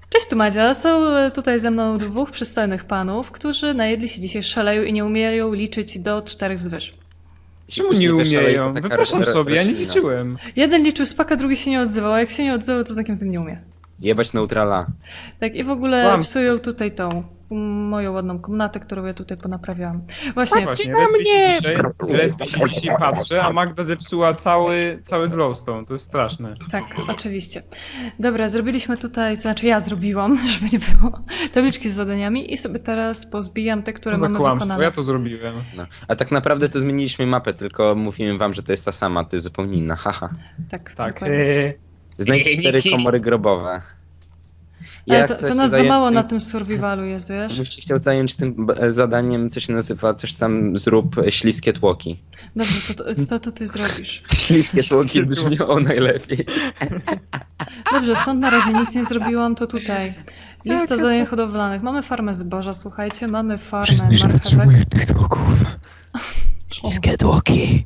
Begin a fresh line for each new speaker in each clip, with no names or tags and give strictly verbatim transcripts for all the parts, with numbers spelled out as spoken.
Cześć tu Madzia, są tutaj ze mną dwóch przystojnych panów, którzy najedli się dzisiaj szaleju i nie umieją liczyć do czterech wzwyż.
Czemu nie umieją?
taka
Wypraszam
ro-
sobie, ja nie
roślina.
liczyłem.
Jeden liczył spaka, drugi się nie odzywał, a jak się nie odzywał, to znakiem tym nie umie.
Jebać neutrala.
Tak, i w ogóle
Kłamstwo.
psują tutaj tą mm, moją ładną komnatę, którą ja tutaj ponaprawiałam. Właśnie,
Właśnie,
na
Respi
mnie!
się dzisiaj, Respi się dzisiaj patrzy, a Magda zepsuła cały, cały glowstone, to jest straszne.
tak, oczywiście. Dobra, zrobiliśmy tutaj, to znaczy ja zrobiłam, żeby nie było, tabliczki z zadaniami i sobie teraz pozbijam te, które
Co za
mamy
kłamstwo,
wykonane.
ja to zrobiłem.
No. A tak naprawdę to zmieniliśmy mapę, tylko mówiłem wam, że to jest ta sama, to jest zupełnie inna, haha.
Tak,
Tak.
dokładnie.
Eee,
Znajdź cztery komory grobowe.
Ale
Jak
to,
chcesz
to
się
nas za
zająć
mało
tym-
na tym survivalu jest, wiesz?
Bym się chciał zająć tym b- zadaniem, co się nazywa, coś tam zrób e, śliskie tłoki.
Dobrze, to, to, to, to ty zrobisz.
Śliskie tłoki brzmią najlepiej.
Dobrze, stąd na razie nic nie zrobiłam, to tutaj. Lista zadań hodowlanych. Mamy farmę zboża, słuchajcie, mamy farmę
Przyznaj, że
marchewek.
potrzebuję tych tłoków.
Śliskie tłoki.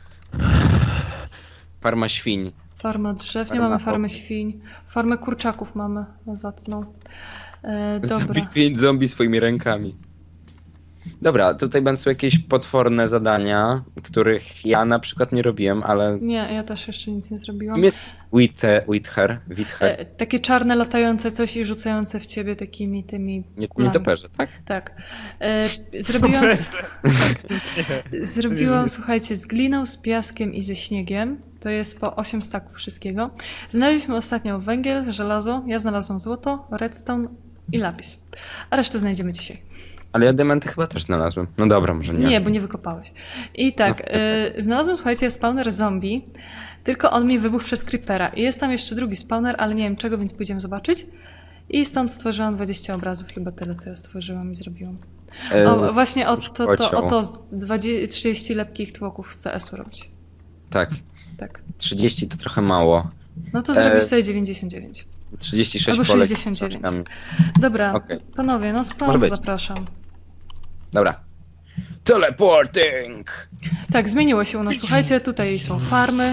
Farma świń.
Farma drzew, nie
Farma
mamy farmy
owiec.
świń. Farmę kurczaków mamy, zacną. E,
Zabij
dobra.
pięć zombie swoimi rękami. Dobra, tutaj będą jakieś potworne zadania, których ja na przykład nie robiłem, ale...
Nie, ja też jeszcze nic nie zrobiłam.
Kim jest Withe, Wither? Wither?
E, takie czarne, latające coś i rzucające w ciebie takimi tymi
Nie,
kulami.
nietoperze, tak?
Tak. E, zrobiłam, zrobiłam, słuchajcie, z gliną, z piaskiem i ze śniegiem. To jest po osiem staków wszystkiego. Znaleźliśmy ostatnio węgiel, żelazo, ja znalazłam złoto, redstone i lapis. A resztę znajdziemy dzisiaj.
Ale ja diamenty chyba też znalazłem. No dobra, może nie.
Nie, bo nie wykopałeś. I tak,
No,
y, znalazłem, słuchajcie, spawner zombie, tylko on mi wybuchł przez creepera. I jest tam jeszcze drugi spawner, ale nie wiem czego, więc pójdziemy zobaczyć. I stąd stworzyłam dwadzieścia obrazów, chyba tyle, co ja stworzyłam i zrobiłam.
E,
O,
z
właśnie o to, to,
kocioł.
o to z dwadzieścia, trzydzieści lepkich tłoków z C S-u robić.
Tak,
Tak.
trzydzieści to trochę mało.
No to
E,
zrobisz sobie dziewięćdziesiąt dziewięć.
trzydzieści sześć
Albo
polek z
sześćdziesiąt dziewięć.
książkami.
Dobra,
Okej.
panowie, no
Może
spawn
być.
zapraszam.
Dobra. Teleporting!
Tak, zmieniło się u nas. Słuchajcie, tutaj są farmy.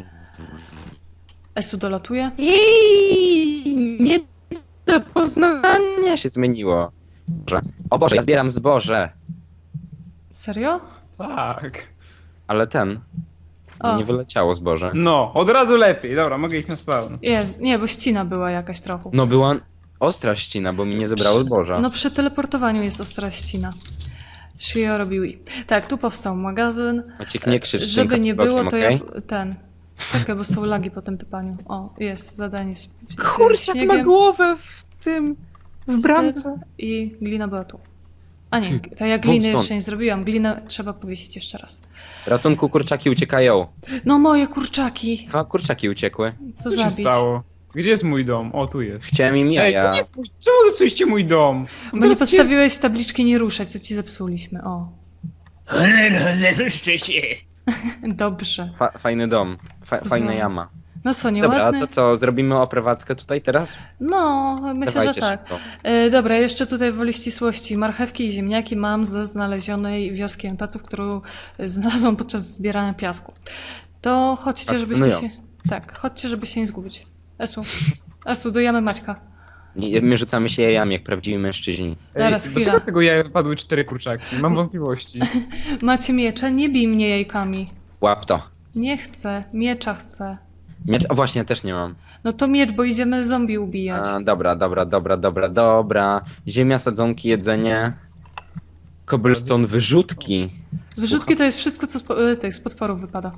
Esu dolatuje.
I nie do poznania się zmieniło. Boże. O Boże, ja zbieram zboże.
Serio?
Tak.
Ale ten.
O.
Nie wyleciało zboże.
No, od razu lepiej. Dobra, mogę iść na spawn.
Jest, nie, bo ścina była jakaś trochę.
No była ostra ścina, bo mi nie zebrało zboża.
No przy teleportowaniu jest ostra ścina. Shio robił. Tak, tu powstał magazyn.
Maciek, nie krzycz tym
Żeby nie
kapslokiem,
było, to
okej?
ja ten. Czekaj, bo są lagi po tym typaniu. O, jest zadanie z, z
Kurczak ma
śniegiem.
głowę w tym... w bramce.
I glina była tu. A nie, to ja gliny
stąd.
jeszcze nie zrobiłam. Glinę trzeba powiesić jeszcze raz.
Ratunku, kurczaki uciekają.
No moje kurczaki!
Dwa kurczaki uciekły.
Co
Co się
zabić?
stało? Gdzie jest mój dom? O, tu jest.
Chciałem im
Ej,
jaja.
to nie jest mój... Czemu zepsuliście mój dom? On
Bo nie
teraz cię-
postawiłeś tabliczki nie ruszać, co ci zepsuliśmy. O,
Ruszcie się.
dobrze.
Fa fajny dom. Fa fajna
Znam.
jama.
No co,
Dobra,
nieładne?
to co, zrobimy oprowadzkę tutaj teraz?
No, myślę,
Dawajcie
że tak.
szybko.
E, dobra, jeszcze tutaj woli ścisłości. Marchewki i ziemniaki mam ze znalezionej wioski en pe ce ów, którą e, znalazłam podczas zbierania piasku. To chodźcie, żebyście się...
Fascynujące.
Tak, chodźcie, żeby się nie zgubić. Esu, Esu, dojamy Maćka.
Nie, my rzucamy się jajami jak prawdziwi mężczyźni.
Ej,
Zaraz,
dlaczego
chwila.
z tego jaja wypadły cztery kurczaki? Mam wątpliwości.
Macie miecze? Nie bij mnie jajkami.
Łap to.
Nie chcę, miecza chcę.
Miecz, o właśnie, też nie mam.
No to miecz, bo idziemy zombie ubijać.
A, dobra, dobra, dobra, dobra, dobra. Ziemia, sadzonki, jedzenie. Cobblestone, wyrzutki.
Wyrzutki to jest wszystko, co z, po- e, tych, z potworów wypada.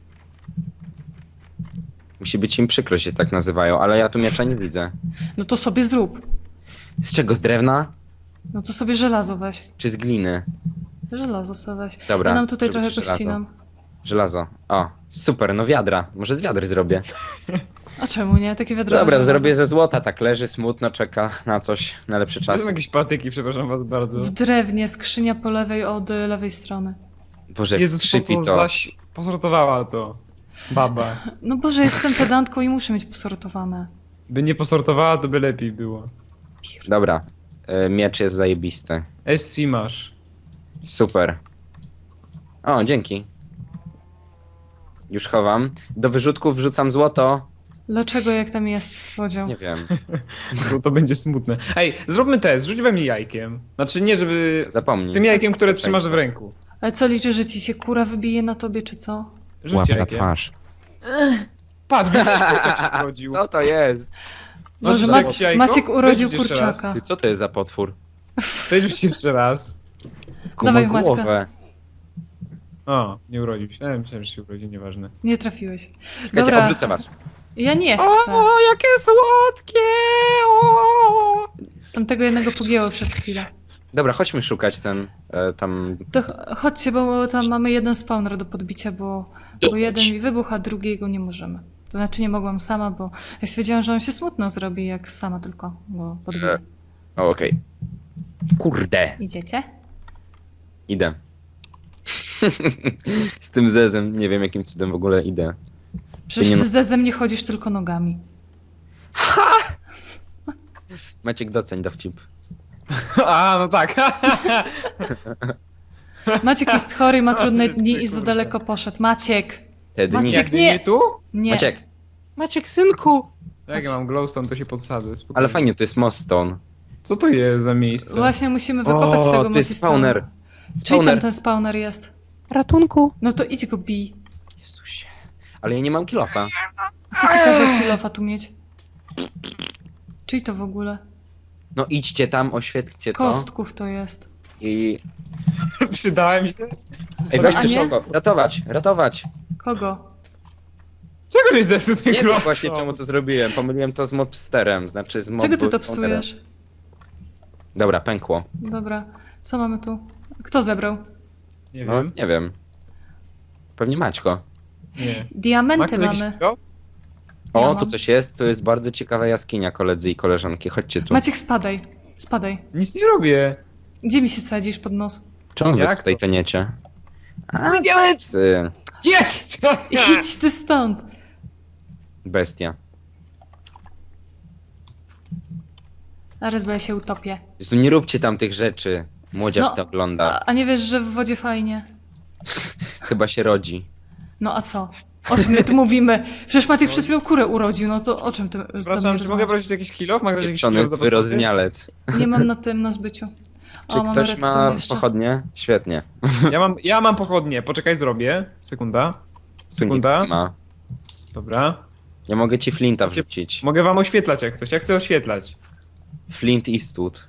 Musi być im przykro, że się tak nazywają, ale ja tu miecza nie widzę.
No to sobie zrób.
Z czego? Z drewna?
No to sobie żelazo weź.
Czy z gliny?
Żelazo sobie weź.
Dobra,
Ja nam tutaj
żeby
trochę
się żelazo.
pościnam.
Żelazo. O, super, no wiadra. Może z wiadry zrobię.
A czemu nie? Takie wiadro.
Dobra,
żelazo.
zrobię ze złota, tak leży, smutno, czeka na coś, na lepszy
To
czas.
są jakieś patyki, przepraszam was bardzo.
W drewnie, skrzynia po lewej od y, lewej strony.
Boże, jak
Jezus, po
skrzypi
co
to.
zaś posortowała to? Baba.
No Boże, jestem pedantką i muszę mieć posortowane.
By nie posortowała, to by lepiej było.
Dobra, y, miecz jest zajebisty.
S C masz.
Super. O, dzięki. Już chowam. Do wyrzutków wrzucam złoto.
Dlaczego jak tam jest podział?
Nie wiem.
Co to będzie smutne. Ej, zróbmy test, rzuć we mnie jajkiem. Znaczy nie, żeby...
Zapomnij.
Tym jajkiem, które trzymasz w ręku.
Ale co liczy, że ci się kura wybije na tobie, czy co?
Rzuć
Łapę na
jajkiem.
twarz.
Patrz, widzisz, kurczak się zrodził.
Co to jest?
Masz
Może
jeszcze
Ma
jakieś jajko?
Maciek urodził
Weź rzuć jeszcze raz.
kurczaka.
Ty, co to jest za potwór?
Weź rzuć jeszcze raz.
Kuma
Dawaj, Maćka.
głowę.
O, nie urodził się. Ja myślałem, że się urodzi, nieważne.
Nie trafiłeś.
Czekajcie,
Dobra,
obrzucę was.
ja nie chcę.
jakie słodkie! O!
Tamtego jednego pogięło przez chwilę.
Dobra, chodźmy szukać ten, e, tam...
To ch- chodźcie, bo tam mamy jeden spawner do podbicia, bo, bo jeden mi wybuchł, a drugiego nie możemy. To znaczy nie mogłam sama, bo ja stwierdziłam, że on się smutno zrobi, jak sama tylko go podbiję.
E, O, okej. Kurde.
Idziecie?
Idę. Z tym zezem, nie wiem jakim cudem w ogóle idę.
Przecież
nie
ty
ma-
ze ze mnie chodzisz tylko nogami.
Maciek, doceń dowcip.
A, no tak.
Maciek jest chory, ma trudne
Ty,
dni
ty,
i za
kurde.
daleko poszedł. Maciek!
Te dni.
Maciek,
Jak nie,
nie.
nie tu?
Nie.
Maciek. Maciek, synku.
Jak ja mam glowstone, to się podsadzę. Spokojnie.
Ale fajnie, to jest moststone.
Co to jest za miejsce?
Właśnie musimy wykopać
O,
tego
to jest
Mosistona.
spawner.
Czyli tam
Spawner.
ten spawner jest.
Ratunku.
No to idź go bij.
Jezusie. Ale ja nie mam kilofa.
Kto ci kazał kilofa tu mieć? Czyli to w ogóle?
No idźcie tam, oświetlcie to.
Kostków to jest.
I...
Przydałem się?
Ej,
A
weźcie
nie?
szybko. Ratować, ratować.
Kogo?
Czego żeś zepsuł ten
Nie wiem
glowstone?
właśnie czemu to zrobiłem. Pomyliłem to z mobsterem, znaczy z mob
Czego ty to
stonerem.
psujesz?
Dobra, pękło.
Dobra. Co mamy tu? Kto zebrał?
Nie
No,
wiem.
nie wiem. Pewnie Maćko.
Nie.
Diamenty
Ma ktoś
mamy.
jakiś kilo?
O,
Ja
tu
mam.
coś jest. Tu jest bardzo ciekawa jaskinia, koledzy i koleżanki. Chodźcie tu.
Maciek, spadaj. Spadaj.
Nic nie robię.
Gdzie mi się sadzisz pod nos?
Czemu wy
Jak
tutaj
to?
toniecie? A, diamenty!
Jest!
Idź ty stąd!
Bestia.
Zaraz, bo ja się utopię.
Jezu, nie róbcie tam tych rzeczy. Młodzież
No,
to ogląda.
A, a nie wiesz, że w wodzie fajnie?
Chyba się rodzi.
No a co? O czym my tu mówimy? Przecież Maciek przed chwilą kurę urodził, no to o czym ty z tobą
Przepraszam, czy mogę
rozmawiasz?
prosić jakiś kilof? Ma ktoś jakiś
Pieprzony
kilof do postawy?
zwyrodnialec.
Nie mam na tym, na zbyciu.
Czy
O, mamy
ktoś
redstone
ma
jeszcze.
pochodnie? Świetnie.
Ja mam, ja mam pochodnie. Poczekaj, zrobię. Sekunda. Sekunda.
Tu nic nie ma.
Dobra.
Nie mogę ci flinta
Macie-
wrzucić.
Mogę wam oświetlać jak coś. Ja chcę oświetlać.
Flint Eastwood.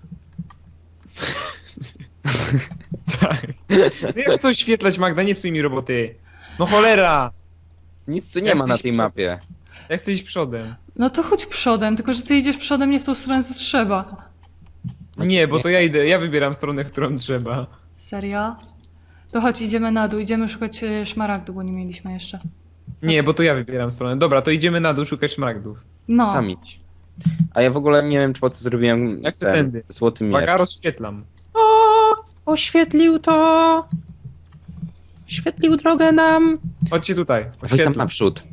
Tak. No ja chcę oświetlać, Magda, nie psuj mi roboty. No cholera!
Nic tu nie
Ja
ma
chcę
na
iść
tej
przed-
mapie.
Ja chcę iść przodem.
No to chodź przodem, tylko że ty idziesz przodem nie w tą stronę, co trzeba.
Nie, bo to ja idę, ja wybieram stronę, w którą trzeba.
Serio? To chodź, idziemy na dół, idziemy szukać e, szmaragdu, bo nie mieliśmy jeszcze.
Nie, bo to ja wybieram stronę. Dobra, to idziemy na dół szukać szmaragdów.
No,
Sam idź. A ja w ogóle nie wiem, po co zrobiłem
Ja chcę
ten
tędy.
złoty miecz.
Uwaga, rozświetlam.
Oświetlił to! Oświetlił drogę nam!
Chodźcie tutaj.
Weź tam
Oświetlam.
naprzód.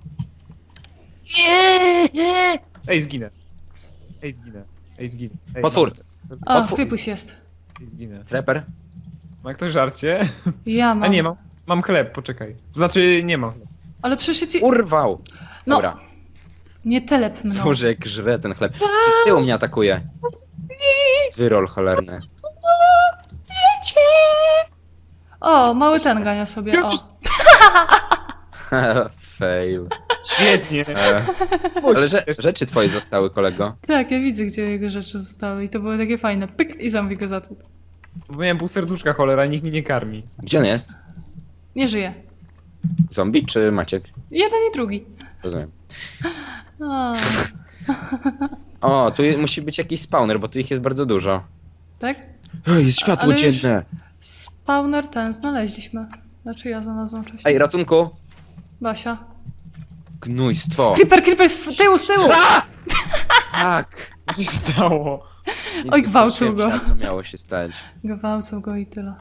Ej, zginę. Ej, zginę. Ej, zginę. Ej,
Potwór!
a,
otwór-
Krypuś jest.
Ej, zginę.
Treper?
Ma ktoś żarcie?
Ja mam.
A nie, mam. Mam chleb, poczekaj. Znaczy, nie mam chleb.
Ale przecież ja ci...
Urwał!
No,
Dobra.
nie telep mną.
Boże, jak żre ten chleb. Ci z tyłu mnie atakuje. Zwyrol cholerny.
O, mały ten gania sobie, o.
Jezus!
Fail.
Świetnie.
E, ale że, rzeczy twoje zostały, kolego.
Tak, ja widzę, gdzie jego rzeczy zostały i to było takie fajne. Pyk i zombie go zatłukł.
Bo miałem pół serduszka, cholera, nikt mi nie karmi.
Gdzie on jest?
Nie żyje.
Zombie czy Maciek?
Jeden i drugi.
Rozumiem.
O,
O, tu je- musi być jakiś spawner, bo tu ich jest bardzo dużo.
tak?
Ej, jest światło
Ale już-
dzienne.
Spawner ten znaleźliśmy. Znaczy ja znalazłam wcześniej.
Ej, ratunku.
Basia.
Gnójstwo.
Creeper, creeper, z tyłu, z tyłu!
Tak.
Co się stało?
Nic
Oj, gwałcił go.
wystarczy, co miało się stać.
Gwałcą go i tyle.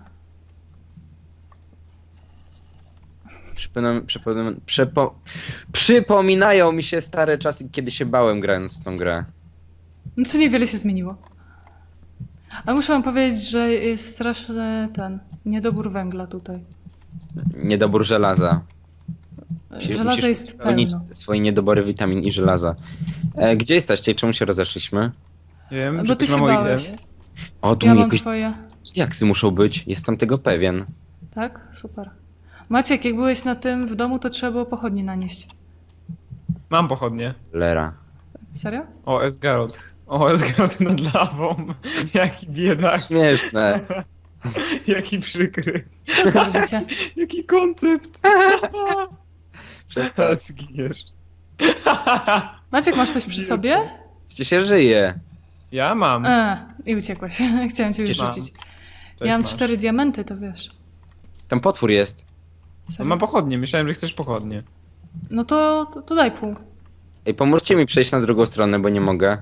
Przypominam, przypominam, przypo, przypominają mi się stare czasy, kiedy się bałem grając w tą grę.
No to niewiele się zmieniło. Ale muszę wam powiedzieć, że jest straszny ten niedobór węgla tutaj.
Niedobór żelaza. Musisz-
Żelazo
musisz
jest
spełnić
pełno.
swoje niedobory witamin i żelaza. E, gdzie jesteście i czemu się rozeszliśmy?
Nie wiem,
Bo
czy
ty
ktoś
się
ma moje
bałeś.
itemy?
O, tu
Ja
mi
mam
jakieś
twoje.
diaksy muszą być, jestem tego pewien.
Tak? Super. Maciek, jak byłeś na tym w domu, to trzeba było pochodnie nanieść.
Mam pochodnie.
Lera.
Serio?
O, Esgarot. O, Esgarot nad lawą. Jaki biedak.
Śmieszne.
Jaki przykry.
Co wy robicie?
Jaki koncept.
Przestań.
Zginiesz.
Maciek, masz coś przy sobie?
Przecież się żyje.
Ja mam.
E, i uciekłeś. Chciałem cię już
Gdzie mam?
rzucić.
Cześć,
Ja mam
masz.
cztery diamenty, to wiesz.
Tam potwór jest.
No,
Serio?
mam pochodnie, myślałem, że chcesz pochodnie.
No to, to, to daj pół.
Ej, pomóżcie mi przejść na drugą stronę, bo nie mogę.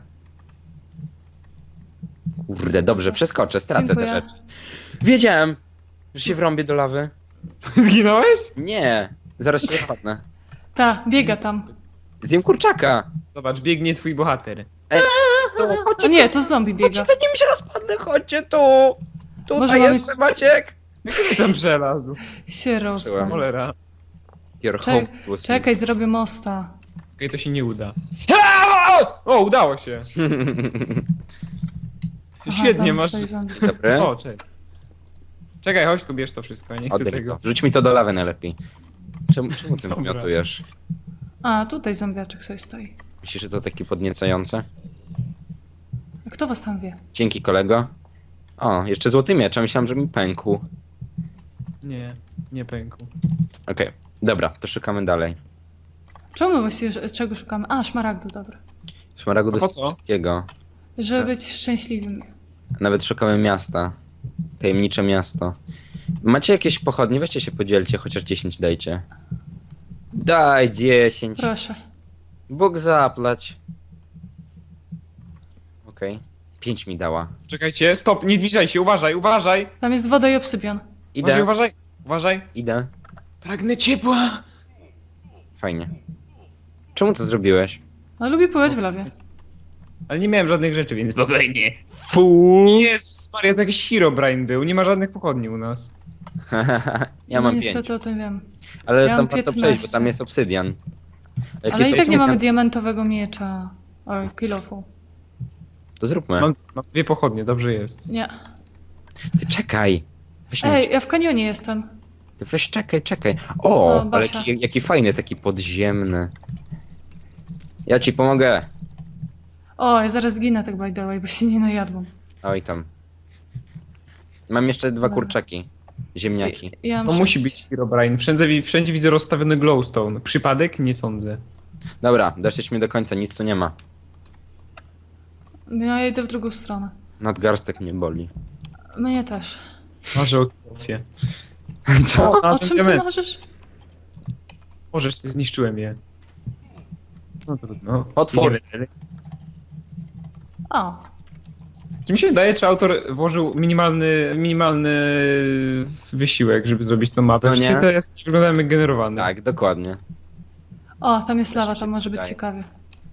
Kurde, dobrze, przeskoczę, stracę
Dziękuję.
te rzeczy. Wiedziałem, że się wrąbię do lawy.
Zginąłeś?
Nie, zaraz się wpadnę.
Ta, biega tam.
Zjem kurczaka.
Zobacz, biegnie twój bohater.
To,
O
chodźcie,
nie, to zombie biega.
chodźcie, zanim się rozpadnę, chodźcie tu. Tutaj
Może mamy-
jestem, Maciek.
Jak ty tam przelazł?
Się rozpadł.
Cholera.
Your
Czek-
home was
Czekaj, zrobię mosta.
Okej, to się nie uda. O, udało się.
Aha,
Świetnie,
tam
masz...
stoi zombie.
Dobry.
O, cześć. Czekaj, chodź tu, bierz to wszystko, nie chcę
Oddaj mi
tego.
to. Wrzuć mi to do lawy najlepiej. Czemu, czemu ty
Dobra.
wymiotujesz?
A, tutaj zombiaczek sobie stoi.
Myślisz, że to takie podniecające?
A kto was tam wie?
Dzięki, kolego. O, jeszcze złoty miecz, a myślałem, że mi pękł.
Nie, nie pękł.
Okej, dobra, to szukamy dalej.
Czemu właściwie, że- czego szukamy? A, szmaragdu, dobra.
Szmaragu
A po
do
co?
wszystkiego.
Żeby być szczęśliwym.
Nawet szukamy miasta. Tajemnicze miasto. Macie jakieś pochodnie? Weźcie się podzielcie, chociaż dziesięć dajcie. Daj dziesięć.
Proszę.
Bóg zaplać. Okej. pięć mi dała.
Czekajcie, stop, nie zbliżaj się, uważaj, uważaj!
Tam jest woda i obsydian.
Uważaj,
Idę,
uważaj, uważaj.
idę.
Pragnę ciepła!
Fajnie. Czemu to zrobiłeś?
Ale lubię pływać w lawie.
Ale nie miałem żadnych rzeczy, więc spokojnie.
Fuuu.
Jezus Maria, to jakiś Herobrine był, nie ma żadnych pochodni u nas.
Ja
no
mam pięć.
niestety o tym wiem.
Ale
ja
tam
mam
warto przejść, bo
piętnaście.
tam jest obsydian. Jak
Ale
jest
i tak nie mamy
obsydian,
diamentowego miecza. Oj, kilofu.
to zróbmy.
Mam, mam dwie pochodnie, dobrze jest.
Nie.
Ty czekaj. Weź, mi-
Ej, ja w kanionie jestem.
ty weź czekaj, czekaj. O,
O,
ale
Basia.
jaki, jaki fajny, taki podziemny. Ja ci pomogę.
O, ja zaraz zginę tak by the way, bo się nie najadłam.
Oj tam. Mam jeszcze dwa
Dobra.
kurczaki. Ziemniaki.
Ja mam
To musi
sześć.
być Herobrine. Wszędzie, wszędzie widzę rozstawiony glowstone. Przypadek? Nie sądzę.
Dobra, doszliśmy do końca, nic tu nie ma.
No, ja idę w drugą stronę.
Nadgarstek mnie boli.
Mnie też.
Marzę o kilofie.
Co?
O czym ty marzysz?
Możesz, ty zniszczyłem je. No trudno.
Potwór.
Idziemy dalej.
O,
Czy mi się wydaje, czy autor włożył minimalny, minimalny wysiłek, żeby zrobić tą mapę?
No
Wszystkie
nie.
te jaskini wyglądają jak generowane.
Tak, dokładnie.
o, tam jest lawa,
się
tam może być
wydaje.
ciekawie.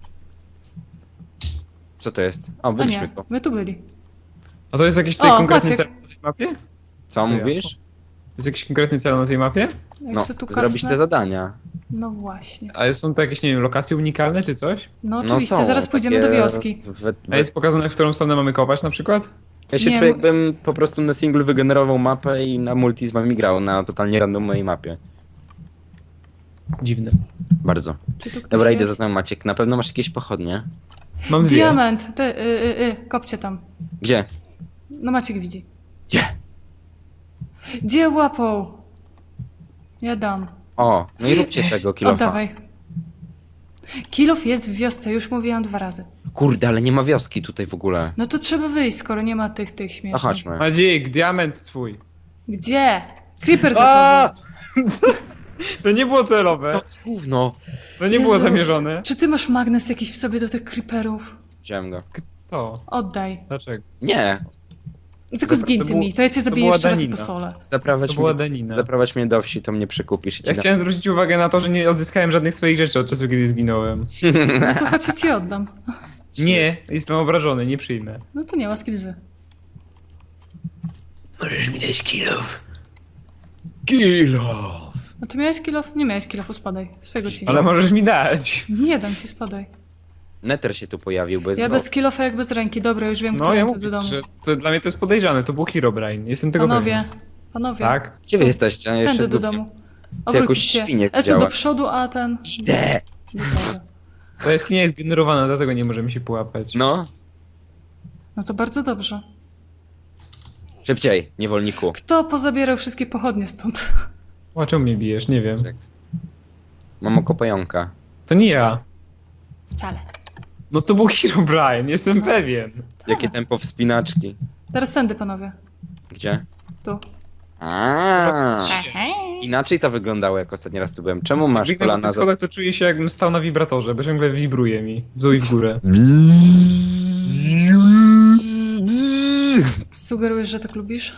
Co to jest? O,
A
byliśmy
nie,
tu.
my tu byli.
A to jest jakiś tutaj
O,
konkretny
Maciek.
cel na tej mapie?
Co
Co ja?
mówisz?
Jest jakiś konkretny cel na tej mapie?
Jak
No,
się tu
zrobić
kapsnę?
te zadania.
No właśnie.
A są to jakieś, nie wiem, lokacje unikalne czy coś?
No
No
oczywiście,
są
zaraz pójdziemy
takie
do wioski.
w- w-
A jest pokazane, w którą stronę mamy kopać na przykład?
Ja się
Nie,
czuję,
bo-
jakbym po prostu na singlu wygenerował mapę i na multi z wami grał na totalnie randomowej mapie.
Dziwne.
Bardzo.
Czy tu ktoś
Dobra, idę
jest?
za tobą, Maciek. Na pewno masz jakieś pochodnie.
Mam dwie.
Diament! Ty, y, y, y, kopcie tam.
Gdzie?
No Maciek widzi.
Gdzie?
Gdzie łapą? Ja dam.
O, no i róbcie tego kilofa.
Oddawaj. Kilof jest w wiosce, już mówiłam dwa razy.
Kurde, ale nie ma wioski tutaj w ogóle.
No to trzeba wyjść, skoro nie ma tych, tych
No
śmiesznych.
chodźmy.
Madzik, diament twój.
Gdzie? Creeper za
A!
tobą.
To nie było celowe.
Co to gówno?
To nie było
Jezu.
zamierzone.
Czy ty masz magnes jakiś w sobie do tych creeperów?
Wziąłem go.
To.
Oddaj.
Dlaczego?
Nie,
Tylko
Dobra,
zgin
to
ty
było-
mi, to ja cię
to
zabiję
była
jeszcze raz
danina.
po sole.
zaprawać
To była
mnie,
danina.
zaprawać mnie do wsi, to mnie przekupisz i ci
Ja
dam.
chciałem zwrócić uwagę na to, że nie odzyskałem żadnych swoich rzeczy od czasu, kiedy zginąłem.
No to chodź, ja ci oddam.
Nie, jestem obrażony, nie przyjmę.
No to nie, łaski bzy.
Możesz mi dać kilów.
Kilof!
A ty miałeś kilof? Nie miałeś kilofu, spadaj. Swojego ci nie
Ale
dam.
możesz mi dać.
Nie dam ci, spadaj.
Nether się tu pojawił, bo jest
Ja
go-
bez kilofa jak bez ręki. Dobra, już wiem,
No
który
ja
tu
mówię,
do domu.
że to, dla mnie to jest podejrzane, to był Herobrine. Jestem tego
Panowie,
pewien.
panowie.
Tak?
Gdzie wy jesteście? Ja jeszcze
Tędy
z
do
dupkiem.
domu.
jakąś
Obrócić się.
świnię
Jestem do
widziałaś.
przodu, a ten...
Idę.
Dobra.
Ta jaskinia jest generowana, dlatego nie możemy się połapać.
No,
No to bardzo dobrze.
szybciej, niewolniku.
Kto pozabierał wszystkie pochodnie stąd?
O czemu mnie bijesz? Nie wiem.
Czek. Mam oko pająka.
To nie ja.
Wcale.
No to był Herobrine, jestem pewien.
Jakie tempo wspinaczki.
Teraz tędy, panowie.
Gdzie?
Tu.
A, inaczej to wyglądało, jak ostatni raz tu byłem. Czemu masz
Biegnę po
kolana
tych
za...
schodach, to czuję się jakbym stał na wibratorze, bo ciągle wibruje mi w dół i w górę.
Sugerujesz, że tak lubisz?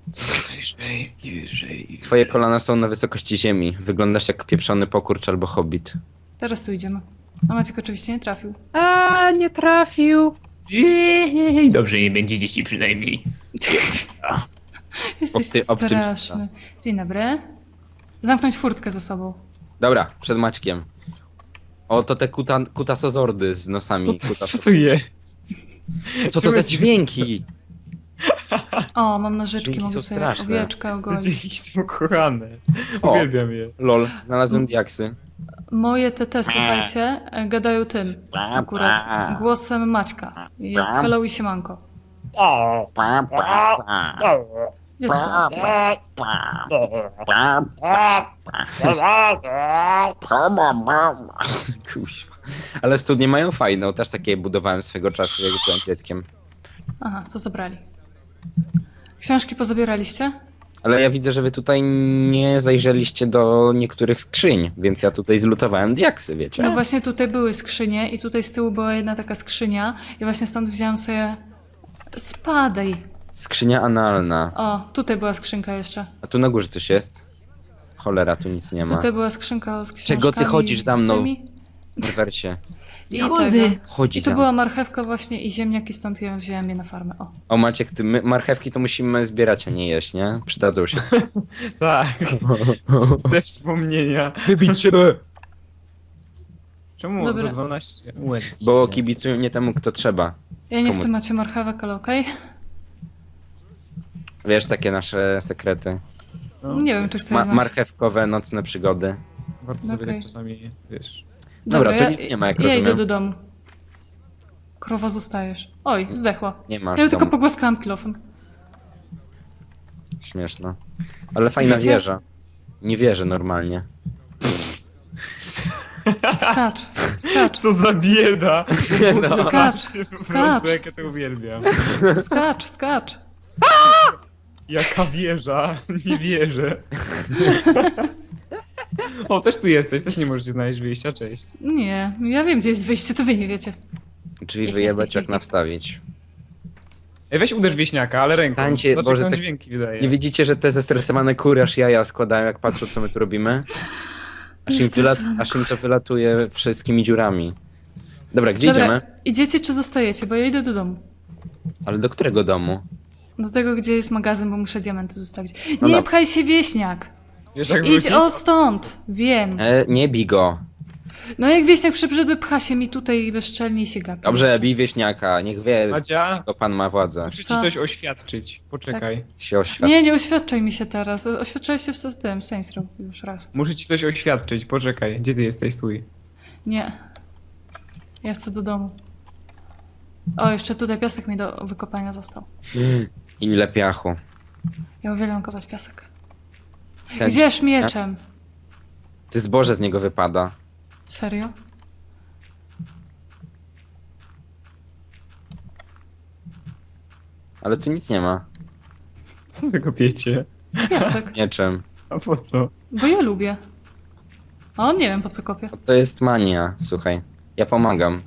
Twoje kolana są na wysokości ziemi. Wyglądasz jak pieprzony pokurcz albo hobbit.
Teraz tu idziemy. A Maciek oczywiście nie trafił.
A, nie trafił.
Jej, dobrze nie będzie dzieci przynajmniej.
Jesteś
Opty- optymista.
straszny. Dzień dobry. Zamknąć furtkę za sobą.
Dobra, przed Maćkiem. O, to te kuta, kutasozordy z nosami.
Co, to-
Kutas-
co to jest?
Co to za dźwięki?
O, mam nożyczki,
Dźwięki
mogę
są
sobie
straszne.
owieczkę
Te
ogolić.
dźwięki są kochane.
O.
Uwielbiam je.
Lol, znalazłem diaksy.
Moje T T, słuchajcie, e, gadają tym akurat. Głosem Maćka. Jest hello i siemanko. Gdzie ty byłeś?
Kuźwa. Ale studnie mają fajną, też takie budowałem swego czasu, jak byłem dzieckiem.
Aha, to zabrali. Książki pozabieraliście?
Ale ja widzę, że wy tutaj nie zajrzeliście do niektórych skrzyń, więc ja tutaj zlutowałem diaksy, wiecie?
No właśnie tutaj były skrzynie i tutaj z tyłu była jedna taka skrzynia i właśnie stąd wziąłem sobie... Spadaj!
Skrzynia analna.
O, tutaj była skrzynka jeszcze.
A tu na górze coś jest? Cholera, tu nic nie ma.
Tutaj była skrzynka z książkami.
Czego ty chodzisz za
z
mną?
tymi.
W rewersie.
I chodzę.
Chodzi
I to
za
była
mną.
marchewka właśnie i ziemniaki, stąd ja wziąłem je na farmę. O.
O Maciek, ty, my, marchewki to musimy zbierać, a nie jeść, nie? Przydadzą się.
Tak. Te wspomnienia.
Wybić się!
Czemu
Dobra.
za dwanaście? Łeb.
Bo kibicują nie temu, kto trzeba.
Ja nie w
Pomóc.
temacie marchewek, ale okej.
Wiesz, takie nasze sekrety.
No,
Nie wiem, czy chcę
Ma
znać.
marchewkowe nocne przygody.
Warto sobie
Okej.
tak czasami, wiesz.
Dobra, to
ja,
nic nie ma, jak
ja
rozumiem.
idę do domu. Krowa zostajesz. Oj, zdechła.
Nie masz
Ja ją tylko
domu.
pogłaskałam kilofem.
Śmieszno. Ale fajna
Widzicie?
wieża. Nie wierzę normalnie.
Skacz, skacz,
Co za bieda!
No.
skacz,
Po
skacz,
prostu jak ja to uwielbiam.
skacz, skacz.
Jaka wieża? Nie wierzę. O, też tu jesteś, też nie możecie znaleźć wyjścia, cześć.
Nie, ja wiem, gdzie jest wyjście, to wy nie wiecie.
Drzwi wyjebać, jak nawstawić.
Ej, weź uderz wieśniaka, ale ręką.
Przestańcie,
Dlaczego
Boże,
on
tak-
dźwięki wydaje?
Nie widzicie, że te zestresowane kury aż jaja składają, jak patrzą, co my tu robimy? Aż im, wylat aż im to wylatuje wszystkimi dziurami. Dobra, gdzie
Dobra,
idziemy?
idziecie czy zostajecie, bo ja idę do domu.
Ale do którego domu?
Do tego, gdzie jest magazyn, bo muszę diamenty zostawić.
No
Nie
dobra.
pchaj się, wieśniak!
Wiesz jak
Idź
wrócić?
o stąd! Wiem.
E, nie bij go.
No jak wieśniak przybrzydły, pcha się mi tutaj bezczelnie i się gapi.
Dobrze, bij wieśniaka, niech wie,
Madzia,
to pan ma władzę.
muszę ci
Co?
coś oświadczyć. Poczekaj.
Się oświadczy.
Nie, nie oświadczaj mi się teraz. Oświadczałeś się z tym, Saints Row już raz.
Muszę ci coś oświadczyć, poczekaj. Gdzie ty jesteś? Stój.
Nie. Ja chcę do domu. O, jeszcze tutaj piasek mi do wykopania został.
Ile piachu.
Ja uwielbiam kopać piasek.
Ten-
Gdzież mieczem?
Ty zboże z niego wypada.
Serio?
Ale tu nic nie ma.
Co wy kopiecie?
Piasek.
Mieczem.
A po co?
Bo ja lubię. A on nie wiem po co kopię.
To jest mania, słuchaj. Ja pomagam.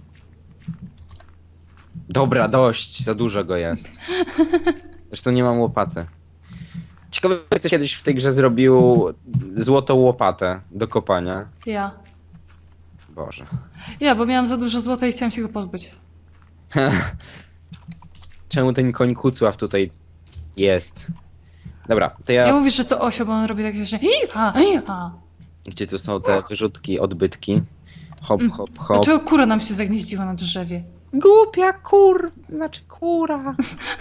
Dobra, dość, za dużo go jest. Zresztą nie mam łopaty. Ciekawe, jak ktoś kiedyś w tej grze zrobił złotą łopatę do kopania.
Ja.
Boże.
Ja, bo miałam za dużo złota i chciałam się go pozbyć.
Czemu ten koń Kucław tutaj jest? Dobra, to
Ja
ja...
mówisz, że to osio, bo on robi takie rzeczy. Iha, iha.
Gdzie tu są te wyrzutki, odbytki? Hop,
Mm.
hop, hop.
Dlaczego kura nam się zagnieździła na drzewie?
Głupia kur, znaczy kura.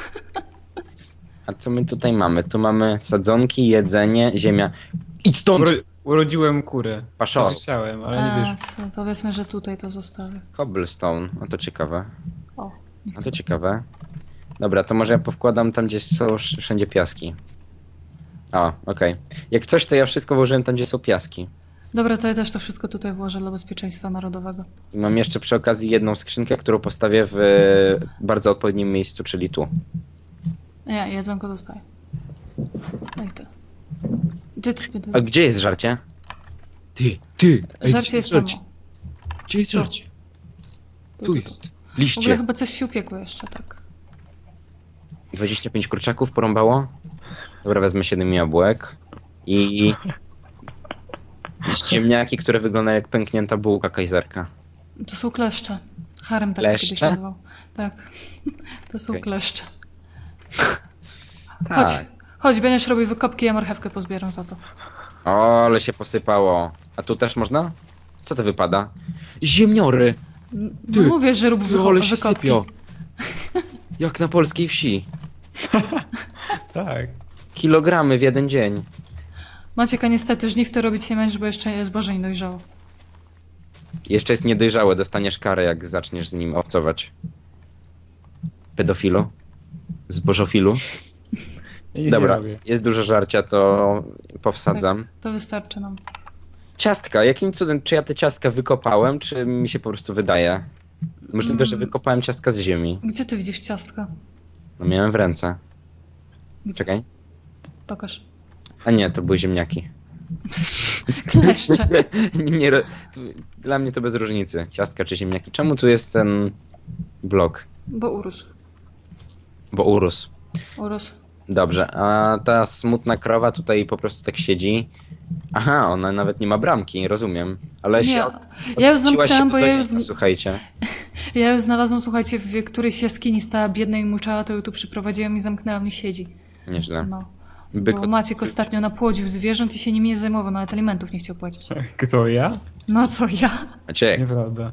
A co my tutaj mamy? Tu mamy sadzonki, jedzenie, ziemia. Idź stąd!
Uro urodziłem kurę.
Paszor.
To chciałem, ale nie
A,
wiesz.
to powiedzmy, że tutaj to zostawię.
Cobblestone, no to ciekawe.
O.
No to ciekawe. Dobra, to może ja powkładam tam, gdzie są sz- wszędzie piaski. O, okej. Jak coś, to ja wszystko włożyłem tam, gdzie są piaski.
Dobra, to ja też to wszystko tutaj włożę dla bezpieczeństwa narodowego.
I mam jeszcze przy okazji jedną skrzynkę, którą postawię w e, bardzo odpowiednim miejscu, czyli tu.
Nie, jedzonko zostaje. No i tyle. Gdzie ty, ty,
A gdzie jest żarcie? Ty, ty!
Żarcie jest tam.
Gdzie jest żarcie? Tu jest.
W ogóle
Liście.
chyba coś się upiekło jeszcze, tak.
dwadzieścia pięć kurczaków porąbało. Dobra, wezmę siedem jabłek. I... I ziemniaki, które wyglądają jak pęknięta bułka kajzerka.
To są kleszcze. Harem tak
Kleszcze?
kiedyś nazywał. Tak. To są
Okej.
kleszcze.
Tak.
Chodź. Chodź, będziesz robił wykopki, ja marchewkę pozbieram za to.
O, ale się posypało. A tu też można? Co to wypada? Ziemniory!
No
Ty,
mówię, że rób
Ty,
wyko-
ale się
wykopki.
sypią. Jak na polskiej wsi.
Tak.
Kilogramy w jeden dzień.
Maciek, a niestety żniw to robić nie będziesz, bo jeszcze zboże nie dojrzało.
Jeszcze jest niedojrzałe, dostaniesz karę, jak zaczniesz z nim obcować. Pedofilu? Zbożofilu?
Ja nic
Dobra,
nie robię.
jest dużo żarcia, to powsadzam.
To wystarczy nam.
Ciastka, jakim cudem, czy ja te ciastka wykopałem, czy mi się po prostu wydaje? Możliwe, że
Mm.
wykopałem ciastka z ziemi.
Gdzie ty widzisz ciastka?
No miałem w ręce.
Gdzie?
Czekaj.
Pokaż.
A nie, to były ziemniaki.
Kleszcze.
nie, nie, ro- to, dla mnie to bez różnicy. Ciastka czy ziemniaki. Czemu tu jest ten blok?
Bo urósł.
Bo urósł.
Urósł.
Dobrze, a ta smutna krowa tutaj po prostu tak siedzi. Aha, ona nawet nie ma bramki, rozumiem. Ale
Nie,
się od,
ja już
odwróciła się
zamknęłam,
do
bo ja już,
dojenia, słuchajcie.
ja już znalazłam, słuchajcie, w którejś jaskini stała biedna i muczała, to ją tu przyprowadziłam i zamknęłam i siedzi.
Nieźle.
No.
Byk
Bo
od-
Maciek ostatnio napłodził zwierząt i się nimi nie zajmował, nawet alimentów nie chciał płacić.
Kto ja?
No co ja?
Maciek,
Nieprawda.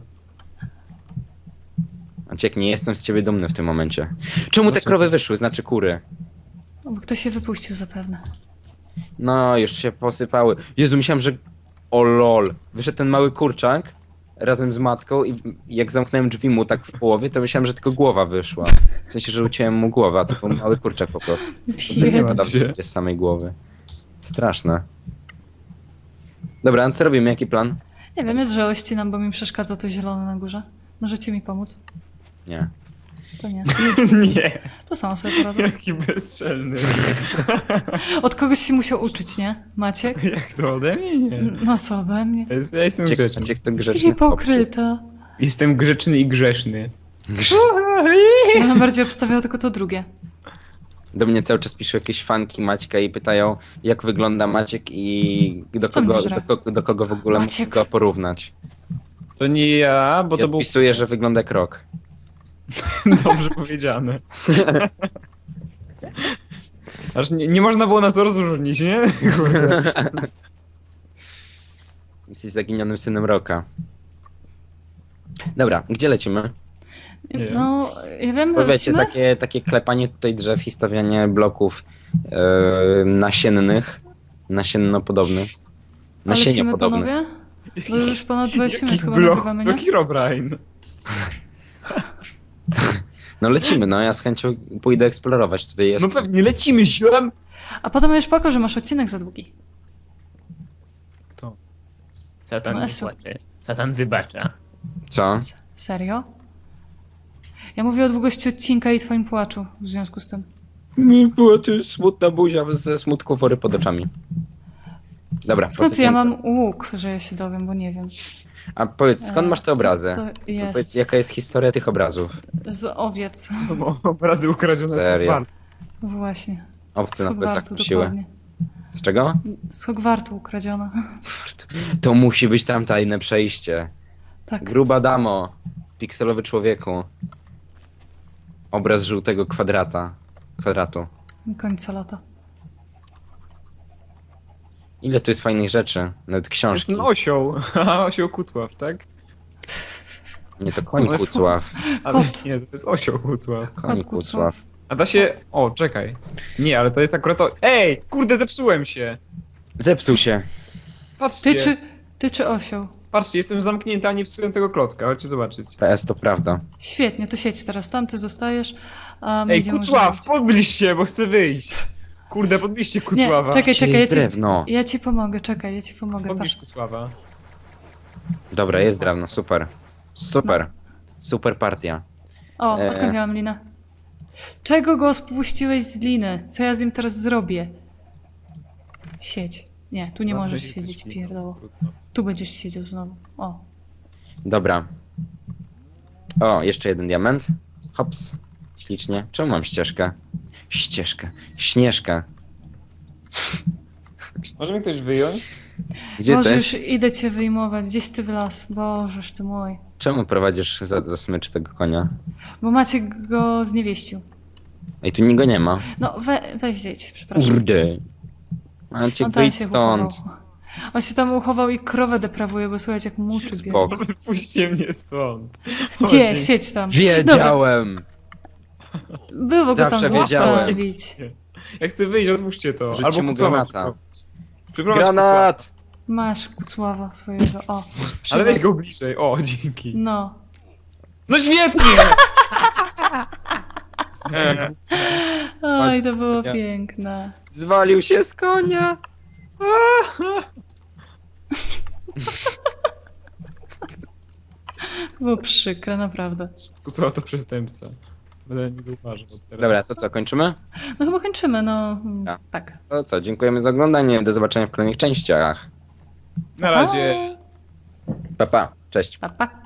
Maciek, nie jestem z ciebie dumny w tym momencie. Czemu te
Dlaczego?
krowy wyszły, znaczy kury?
No, bo ktoś się wypuścił zapewne.
No, już się posypały. Jezu, myślałem, że... O lol. Wyszedł ten mały kurczak razem z matką i w- jak zamknąłem drzwi mu tak w połowie, to myślałem, że tylko głowa wyszła. W sensie, że uciąłem mu głowę, a to był mały kurczak po prostu.
Nie
Biedny.
ma
Pada
się.
z samej głowy. Straszne. Dobra, a co robimy? Jaki plan?
Nie wiem, ja drzewo ścinam, bo mi przeszkadza to zielone na górze. Możecie mi pomóc?
Nie.
To nie.
Nie.
To samo sobie poradzę.
Jaki bezczelny.
Od kogoś się musiał uczyć, nie? Maciek?
Jak to ode mnie? Nie.
No co ode mnie?
Ja jest- Ja jestem
Maciek,
grzeczny.
Maciek to grzeczny chłopczyk.
Hipokryta.
Jestem grzeczny i grzeszny.
Ja bym bardziej obstawiał tylko to drugie.
Do mnie cały czas piszą jakieś fanki Maćka i pytają, jak wygląda Maciek i do
Co
kogo,
mi
do,
żre?
kogo, do kogo w ogóle
Maciek.
mogę go porównać.
To nie ja, bo
I
to był
odpisuję, że wygląda jak rok.
dobrze powiedziane. Aż nie, nie można było nas rozróżnić, nie? Kurde.
Jesteś zaginionym synem Roka. Dobra, gdzie lecimy?
Nie.
No, ja wiem,
Bo wiecie,
lecimy?
takie, takie klepanie tutaj drzew i stawianie bloków e, nasiennych, nasiennopodobnych.
A lecimy,
Nasieniopodobnych.
panowie? Bo już ponad dwadzieścia minut
Jakich
chyba
bloków?
nagrywamy,
To
nie?
Herobrine.
No lecimy, no ja z chęcią pójdę eksplorować. Tutaj jest.
No pewnie, lecimy ziom!
A potem już pokaż, że masz odcinek za długi.
Kto?
Satan
No,
nie
Esu.
płacze. Satan wybacza.
Co?
S- Serio? Ja mówię o długości odcinka i twoim płaczu w związku z tym.
Była to smutna buzia ze smutku wory pod oczami. Dobra,
Skąd ja
posypiemy.
mam łuk, że ja się dowiem, bo nie wiem.
A powiedz, skąd
E,
masz te
co
obrazy?
to jest?
Powiedz, jaka jest historia tych obrazów?
Z owiec.
To są obrazy ukradzione
Serio?
z Hogwartu.
Właśnie.
Owce
Z
na plecach
Hogwartu,
nosiły.
dokładnie.
Z czego?
Z Hogwartu ukradziona.
To musi być tam tajne przejście.
Tak.
Gruba damo, pikselowy człowieku. Obraz żółtego kwadrata. Kwadratu.
Końca lata.
Ile tu jest fajnych rzeczy, nawet
To jest
książki.
ten osioł. Haha, osioł Kutław, tak?
Nie, to koń
Ale-
Kucław.
Ale
Kot.
nie, to jest osioł Kutław.
Koń
Kot Kucław.
Kucław.
A da się... O, czekaj. Nie, ale to jest akurat to... Ej, kurde, zepsułem się.
Zepsuł się.
Patrzcie,
Ty czy, ty czy osioł?
patrzcie, jestem zamknięty, a nie psułem tego klocka. Chodźcie zobaczyć.
P S to prawda.
Świetnie, to siedź teraz tam, ty zostajesz, a my
Ej,
idziemy
Kucław,
używać.
podbliż się, bo chcę wyjść. Kurde, podbliżcie Kucława.
Nie, czekaj,
Gdzie
czekaj, ja
jest
ci,
drewno?
ja ci pomogę, czekaj, ja ci pomogę.
Podbliż
patrz.
Kucława.
Dobra, jest drewno, super. Super. Super partia.
O,
E.
a skąd ja mam linę? Czego go spuściłeś z liny? Co ja z nim teraz zrobię? Siedź. Nie, tu nie
Dobrze,
możesz
że
siedzieć,
jesteś
pierdoło.
trudno.
Tu będziesz siedział znowu. O.
Dobra. O, jeszcze jeden diament. Hops. Ślicznie. Czemu mam ścieżkę? Ścieżkę. Śnieżkę.
Może mi ktoś wyjąć?
Gdzie
Możesz,
jesteś?
idę cię wyjmować. Gdzieś ty w las. Bożeż ty mój.
Czemu prowadzisz za, za smycz tego konia?
Bo Maciek go zniewieścił.
Ej, tu niego nie ma.
No, we, weź zjedź, przepraszam.
Kurde. Maciek,
On tam
wyjdź
się
stąd.
uchował. On się tam uchował i krowę deprawuje, bo słuchajcie, jak muczy bierze.
Spoko.
Puśćcie mnie stąd.
Gdzie?
Chodź.
Siedź tam.
Wiedziałem!
Było go tam
Zawsze wiedziałem.
zostawić.
Jak chcę wyjść, otwórzcie to.
Rzućcie
Albo
mu
Kucława
granata.
przyprowadź. Przyprowadź
Granat!
Masz Kucława swojego. O.
Kucława. Ale weź
przywoz.
go bliżej. O, dzięki.
No.
No świetnie!
Oj, to było
Ja-
piękne.
Zwalił się z konia!
Było przykre, naprawdę.
Kucław to przestępca. Będę nie uważał teraz.
Dobra, to co, kończymy?
No chyba kończymy, no. mm,
Ja.
Tak.
To co, dziękujemy za oglądanie. Do zobaczenia w kolejnych częściach.
Na razie.
Pa, pa. Cześć.
Pa, pa.